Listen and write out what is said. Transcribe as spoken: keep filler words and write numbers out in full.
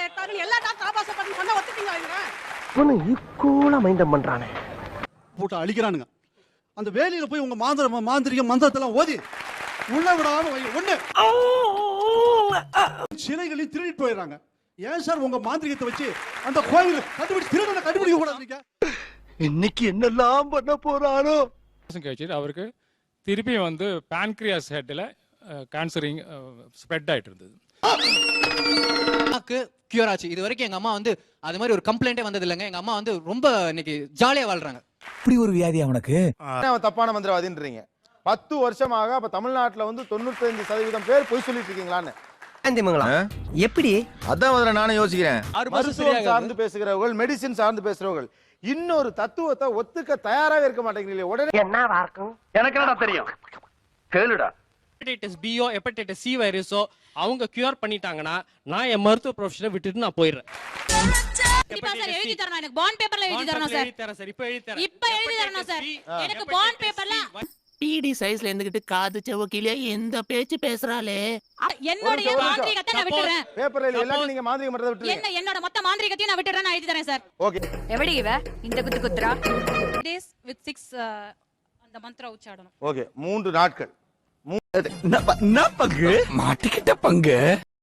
மாலை எடுத்தாரு எல்லா டாக்டர் ஆபாசம் பண்ணி சொன்னா ஒத்துட்டீங்க இவங்க. இவனு ஈக்குவலா மைண்டம் பண்றானே. போட்டு அழிக்கிறானுங்க. அந்த வேலையில போய் உங்க மாந்திர மாந்திரிக மந்திரத்தெல்லாம் ஓதி உள்ள விடாம ஒண்ணு சிலைகளையும் திருடிட்டு போயிடுறாங்க. ஏன் சார் உங்க மாந்திரிகத்தை வச்சு அந்த கோயில் கண்டுபிடிச்சு திருடனை கண்டுபிடிக்க கூடாது? இன்னைக்கு என்னெல்லாம் பண்ண போறாரோ. கழிச்சிட்டு அவருக்கு திருப்பி வந்து பான்கிரியாஸ் ஹெட்ல கேன்சரிங் ஸ்ப்ரெட் ஆயிட்டு இருந்தது. கியூர் ஆச்சு. இது வரைக்கும் எங்க அம்மா வந்து அது மாதிரி ஒரு கம்ப்ளைண்டே வந்தது இல்லைங்க. எங்க அம்மா வந்து ரொம்ப இன்னைக்கு ஜாலியா வாழ்றாங்க. இப்படி ஒரு வியாதி அவனுக்கு. அவன் தப்பான மந்திரவாதின்றீங்க. பத்து வருஷமாக அப்ப தமிழ்நாட்டுல வந்து தொண்ணூத்தி ஐந்து சதவீதம் பேர் பொய் சொல்லிட்டு இருக்கீங்களான்னு எப்படி? அதான் முதல்ல நானும் யோசிக்கிறேன். மருத்துவம் சார்ந்து பேசுகிறவர்கள், மெடிசின் சார்ந்து பேசுறவர்கள் இன்னொரு தத்துவத்தை ஒத்துக்க தயாராக இருக்க மாட்டேங்கிறீங்களே. உடனே என்னவா இருக்கும்? எனக்கு என்னடா தெரியும்? கேளுடா. ஹெப்படைட்டிஸ் பியோ ஹெப்படைட்டிஸ் சி வைரஸோ அவங்க கியூர் பண்ணிட்டாங்கன்னா நான் என் மருத்துவ ப்ரொஃபஷனை விட்டுட்டு நான் போயிடுறேன். கண்டிப்பா சார் எழுதி தரணும். எனக்கு பாண்ட் பேப்பர்ல எழுதி தரணும் சார். எழுதி தரேன் சார். இப்போ எழுதி தரேன். இப்போ எழுதி தரணும் சார். எனக்கு பாண்ட் பேப்பர்ல டிடி சைஸ்ல இருந்துகிட்டு காது செவக்கிலே எந்த பேச்சு பேசுறாளே. என்னோட மாந்திரிகத்தை நான் விட்டுறேன். பேப்பர்ல எல்லாரும் நீங்க மாந்திரிக மந்திரத்தை விட்டுறீங்க. என்ன என்னோட மொத்த மாந்திரிகத்தையும் நான் விட்டுறேன். நான் எழுதி தரேன் சார். ஓகே. எப்படி இவ இந்த குத்து குத்துறா? டேஸ் வித் சிக்ஸ் அந்த மந்திர உச்சாடனம். ஓகே. மூன்று நாட்கள். என்ன பங்கு? மாட்டிக்கிட்ட பங்கு.